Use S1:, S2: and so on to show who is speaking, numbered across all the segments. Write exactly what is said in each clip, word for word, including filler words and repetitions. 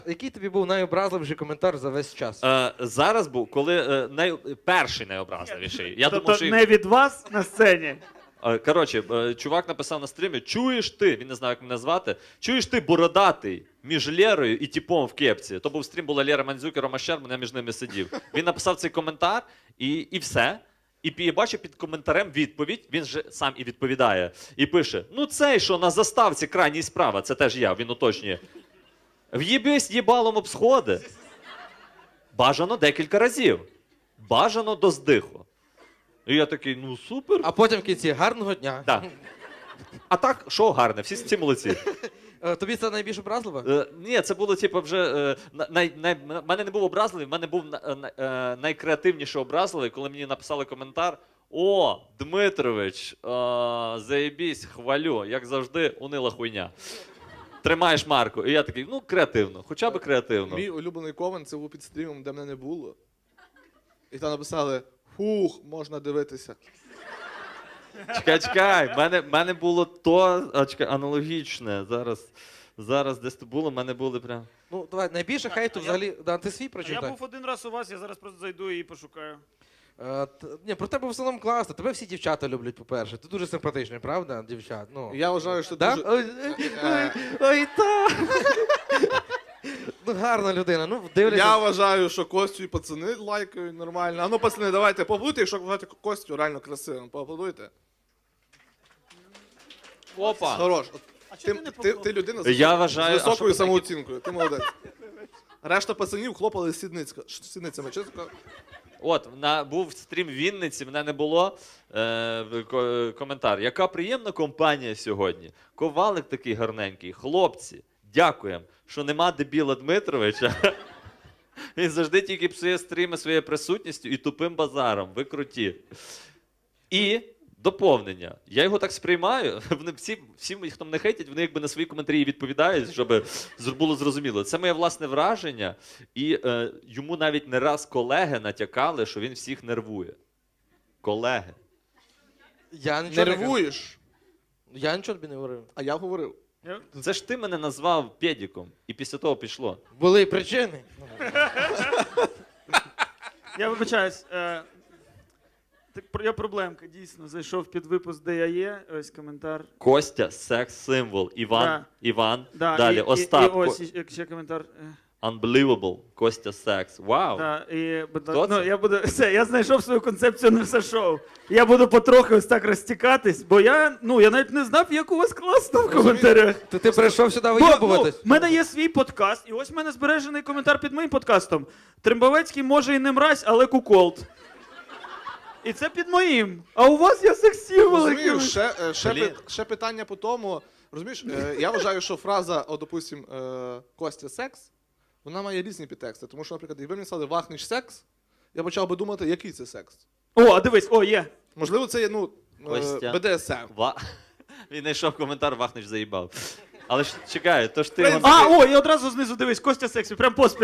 S1: Який тобі був найобразливіший коментар за весь час?
S2: Е, зараз був, коли е, най... перший найобразливіший. Я
S3: тобто
S2: думав, що...
S3: не від вас на сцені?
S2: Е, Коротше, е, чувак написав на стрімі: чуєш ти, він не знає, як мене звати, чуєш ти бородатий між Лєрою і типом в кепці. То був стрім, була Лєра Мандзюк і Рома Щербан, я між ними сидів. Він написав цей коментар і, і все. І я бачу під коментарем відповідь, він же сам і відповідає. І пише: ну цей, що на заставці крайній справа, це теж я, він уточнює. В'їбись їбалом об сходи. Бажано декілька разів. Бажано до здиху. І я такий, ну супер.
S1: А потім в кінці гарного дня.
S2: Да. А так, шоу гарне, всі, всі молодці.
S1: Е, Тобі це найбільш образливо?
S2: Е, ні, це було типу вже. Е, най, най, в мене не був образливий, в мене був на, на, е, найкреативніше образливий, коли мені написали коментар: о, Дмитрович, е, заєбісь, хвалю, як завжди, унила хуйня. Тримаєш марку. І я такий, ну, креативно, хоча б креативно.
S4: Мій улюблений комент це був під стрімом, де мене не було. І там написали: фух, можна дивитися.
S2: Чекай, чекай, в мене, в мене було то, а, чекай, аналогічне. Зараз, зараз десь то було, в мене були прям.
S1: Ну, давай, найбільше
S3: А,
S1: хейту
S3: а я-
S1: взагалі. Да, ти свій
S3: Я
S1: прочитай.
S3: був один раз у вас, я зараз просто зайду і пошукаю.
S1: Е, т- Ні, про тебе в основному класно. Тебе всі дівчата люблять, по-перше. Ти дуже симпатичний, правда, дівчат? Ну.
S4: Я вважаю, що
S1: Да?
S4: дуже.
S1: Ой, ой, ой, ой, та. Ну, гарна людина. Ну, дивляться.
S4: Я вважаю, що Костю і пацани лайкають нормально. А ну, пацани, давайте поаплодуйте, якщо вважаєте Костю реально красивим. Поаплодуйте.
S2: Опа!
S4: Хорош. От
S3: А
S4: Ти,
S3: чого ти не
S4: ти,
S3: поклав?
S4: ти людина з,
S2: Я
S4: високою-
S2: вважаю,
S4: з
S2: а що
S4: високою
S2: ви такі-
S4: самооцінкою. Ти молодець. Решта пацанів хлопали сідницька- ш- сідницями. Чесно.
S2: От, на, був стрім в Вінниці, мене не було. Е, ко- коментар. Яка приємна компанія сьогодні. Ковалик такий гарненький. Хлопці, дякуємо, що нема дебіла Дмитровича. Він завжди тільки псує стріми своєю присутністю і тупим базаром. Ви круті. І доповнення. Я його так сприймаю. Вони всі, всі, хто мене хейтять, вони якби на свої коментарі відповідають, щоб зр- було зрозуміло. Це моє власне враження. І е, йому навіть не раз колеги натякали, що він всіх нервує. Колеги.
S1: Я нічого не
S4: Нервуєш.
S1: кажу. Я нічого тобі не говорив.
S4: А я говорив.
S3: Я-
S2: Це ж ти мене назвав педіком. І після того пішло.
S1: Були причини.
S3: Я вибачаюсь. Е, так, про- я проблемка, дійсно. Зайшов під випуск, де я є. Ось коментар.
S2: Костя, секс-символ. Іван,
S3: Да.
S2: Іван.
S3: Да,
S2: Далі,
S3: і, і,
S2: Остап.
S3: і ось і- ще коментар. Е,
S2: Unbelievable. Костя Секс. Вау.
S3: Да, і, будь
S2: Хто
S3: ласка, ну,
S2: це?
S3: я буду, все, я знайшов свою концепцію на все шоу. Я буду потрохи ось так розтікатись, бо я, ну, я навіть не знав, як у вас класно в коментарях.
S1: То ти прийшов сюди
S3: Бо, ну,
S1: вийобуватись?
S3: в мене є свій подкаст, і ось в мене збережений коментар під моїм подкастом. Трембовецький може і не мразь, але куколд. І це під моїм. А у вас є секс-символи.
S4: Розумієш, ще, е, ще,
S2: Блін.
S4: пи- ще питання по тому. Розумієш, е, я вважаю, що фраза, о, допустим, е, Костя секс, вона має різні підтексти. Тому що, наприклад, якби мені сказали вахнеш секс, я почав би думати, який це секс.
S3: О, а дивись, о, є.
S4: Можливо, це є, ну,
S2: Костя.
S4: е, Б Д С М.
S2: Ва... Він знайшов коментар, Вахнич заїбав. Але ж чекай, то ж ти...
S4: Принцип.
S2: його-
S3: А, о, і одразу знизу дивись, Костя сексі, прям поспіль.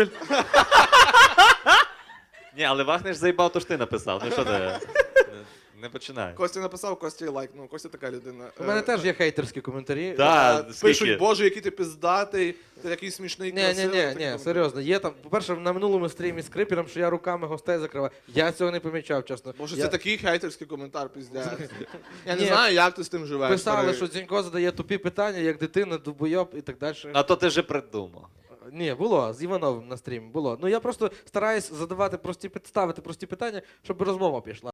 S2: Ні, але Вахнич заїбав, то ж ти написав. Ну що ти? Не, не починай.
S4: Костя написав, Костя лайк. Ну, Костя така людина.
S1: У мене
S4: Е,
S1: теж є хейтерські коментарі.
S2: Да,
S4: е,
S2: скільки?
S4: Пишуть, боже, який ти пиздатий, ти такий смішний,
S1: Ні, ні,
S4: красивий.
S1: ні,
S4: Такі
S1: ні,
S4: коментарі.
S1: серйозно. Є там, по-перше, на минулому стрімі з Крипером, що я руками гостей закриваю. Я цього не помічав, чесно.
S4: Боже,
S1: Я-
S4: це такий хейтерський коментар, піздець. Я не
S1: Ні.
S4: знаю, як ти з тим живеш.
S1: Писали,
S4: старий.
S1: що Дзінько задає тупі питання, як дитина, дубойоб і так далі.
S2: А то ти вже придумав.
S1: Ні, було, з Івановим на стрімі, було. Ну я просто стараюсь задавати прості, пит- ставити прості питання, щоб розмова пішла.